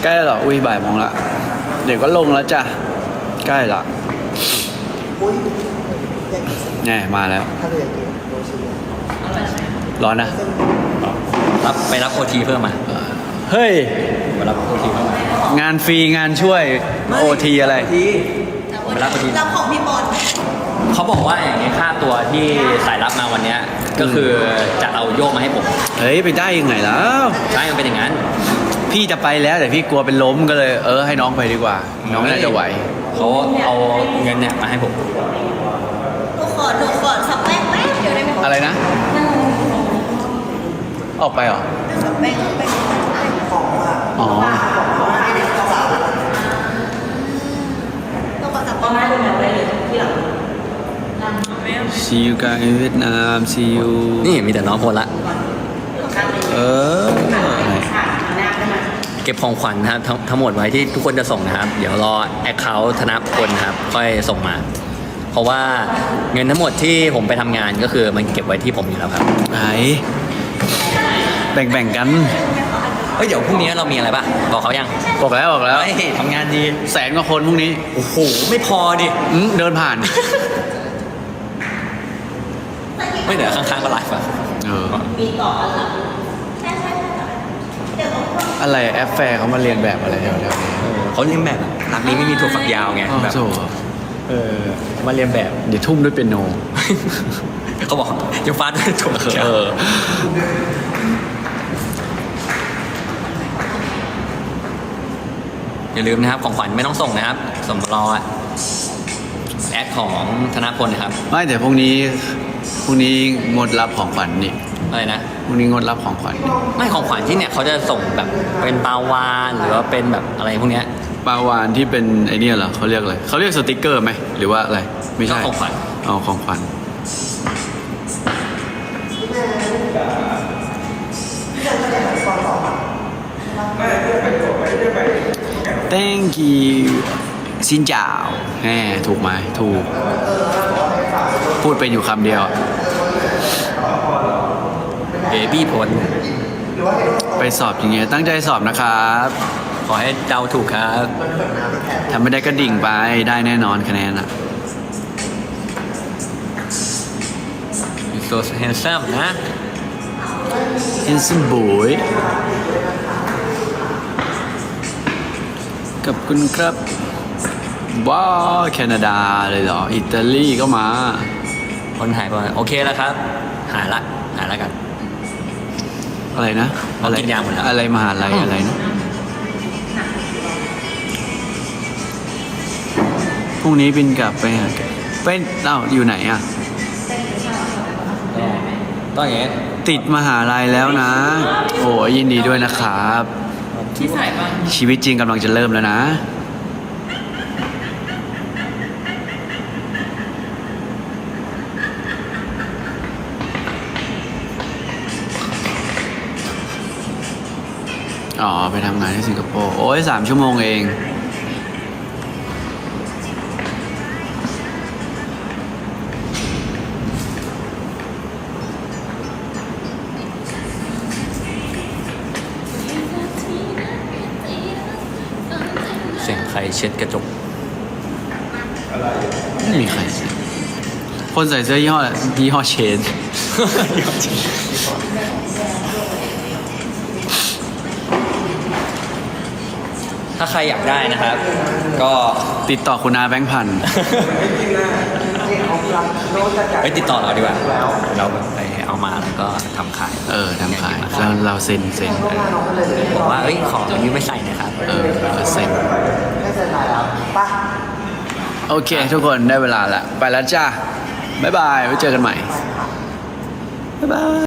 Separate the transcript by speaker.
Speaker 1: ใกล้แล้วเหรออุ้ยบ่ายโมงละเดี๋ยวก็ลงแล้วจ้ะใกล้ละแน่มาแล้วร้อนนะ
Speaker 2: ไปรับโอทีเพิ่มมา
Speaker 1: เฮ้ย
Speaker 2: ไปรับโอทีเพิ่มมาง
Speaker 1: านฟรีงานช่วยโอทีอะไร
Speaker 2: ไปรับโอที
Speaker 3: รับของพี่บอล
Speaker 2: เขาบอกว่าอย่างนี้ค่าตัวที่สายรับมาวันเนี้ยก็คือจะเอาโยกมาให้ผม
Speaker 1: เฮ้ยไปได้ยังไงแล้ว
Speaker 2: ใช่มันเป็นอย่างนั้น
Speaker 1: พี่จะไปแล้วแต่พี่กลัวเป็นล้มก็เลยให้น้องไปดีกว่า น้องน่าจะไหว
Speaker 2: เขาเอาเงินเนี่ยมาให้ผม
Speaker 3: หนูขอสับแป้งแป๊บเดียวได้ไหมคะ
Speaker 1: อะไรนะ ออกไปเหรอ
Speaker 3: สับแป้ง
Speaker 1: อ๋อ
Speaker 3: ต้องขอสับประมาณที่หลัง
Speaker 1: See you guys in Vietnam See you
Speaker 2: นี่มีแต่น้องคนละ
Speaker 1: อะไร
Speaker 2: เก็บของขวัญนะครับทั้งหมดไว้ที่ทุกคนจะส่งนะครับ เดี๋ยวรอแอคเคาท์ธนพลนะครับค่อยส่งมา เพราะว่าเงินทั้งหมดที่ผมไปทำงานก็คือมันเก็บไว้ที่ผมอยู่แล้วครับ
Speaker 1: ไหนแบ่งกัน
Speaker 2: เฮ้ยเดี๋ยวพรุ่งนี้เรามีอะไรป่ะบอกเขายัง
Speaker 1: บอกแล้ว
Speaker 2: เฮ้ยทำงานดี
Speaker 1: แสนกว่าคนพรุ่งนี้
Speaker 2: โอ้โหไม่พอดิ
Speaker 1: เดินผ่าน
Speaker 2: ไม่เดี๋ยวข้างๆก็ไลฟ์อ่ะ
Speaker 3: มีต่อกันหลังใช่เดี๋ยว
Speaker 1: อะไรแอปแฟร์เขามาเรียนแบบอะไรแถวๆนี้
Speaker 2: เขาเรียนแบบรักนี้ไม่มีถั่วฝักยาวไง
Speaker 1: อ๋อ
Speaker 2: แบบ
Speaker 1: โถ่
Speaker 2: มาเรียนแบบ
Speaker 1: เดี๋ยวทุ่มด้วยเปียโน
Speaker 2: เขาบอกยังฟาดด้วยถั่วฝักยาวอย่าลืมนะครับของขวัญไม่ต้องส่งนะครับสมรอแอดของธนพลนะครับ
Speaker 1: ไม่แต่พรุ่งนี้งดรับของขวัญนี่
Speaker 2: อะไรนะ
Speaker 1: พรุ่งนี้งดรับของขวัญนี่
Speaker 2: ไม่ของขวัญที่เนี่ยเขาจะส่งแบบเป็นปลาวานหรือว่าเป็นแบบอะไรพวกเนี้ย
Speaker 1: ปลาวานที่เป็นไอเนี่ยเหรอเขาเรียกอะไรเขาเรียกสติกเกอร์ไหมหรือว่าอะไรไม่ใช่
Speaker 2: ก็ของขวัญ
Speaker 1: เอาของขวัญ Thank you ซินจ่าวแหมถูกไหมถูก พูดเป็นอยู่คำเดียว
Speaker 2: เบบี้พล
Speaker 1: ไปสอบอย่างเงี้ยตั้งใจสอบนะครับ
Speaker 2: ขอให้เดาถูกครับ
Speaker 1: ทำไม่ได้ก็ดิ่งไปได้แน่นอนคะแนนอ่ะ
Speaker 2: so handsome นะ
Speaker 1: Handsome boy กับคุณครับว้าวแคนาดาเลยเหรอ อิตาลีก็มา
Speaker 2: คนหายไปโอเคแล้วครับ หายละกัน
Speaker 1: อะไรนะ
Speaker 2: เรากินยาหมดแล้ว
Speaker 1: อะไรมหาลัยอะไรนะพรุ่งนี้บินกลับไปหาเป็นอยู่ไหนอ่ะ
Speaker 2: ต้องอย่างเงี้ย
Speaker 1: ติดมหาลัยแล้วนะ โอ้ยยินดีด้วยนะครับ
Speaker 2: ที่ใส่ป่ะ
Speaker 1: ชีวิตจริงกำลังจะเริ่มแล้วนะ อ๋อ ไปทำงานที่สิงคโปร์ โอ้ย3 ชั่วโมงเอง
Speaker 2: เสียงใครเช็ดกระจก
Speaker 1: ไม่มีใคร คนใส่เสื้อยี่ห้อเชน
Speaker 2: ถ้าใครอยากได้นะครับ ก็
Speaker 1: ติดต่อคุณอาแบงค์พันธุ์
Speaker 2: ไปติดต่อเราดีกว่าเราไปเอามาแล้วก็ทำขาย
Speaker 1: ทำขายแล้วเราเซ็น
Speaker 2: บอกว่าขอยืมไม่ใส่นะครับ
Speaker 1: เซ็นโอเค ทุกคนได้เวลาละ ไปแล้วจ้า บ๊ายบาย ไว้เจอกันใหม่ บ๊ายบาย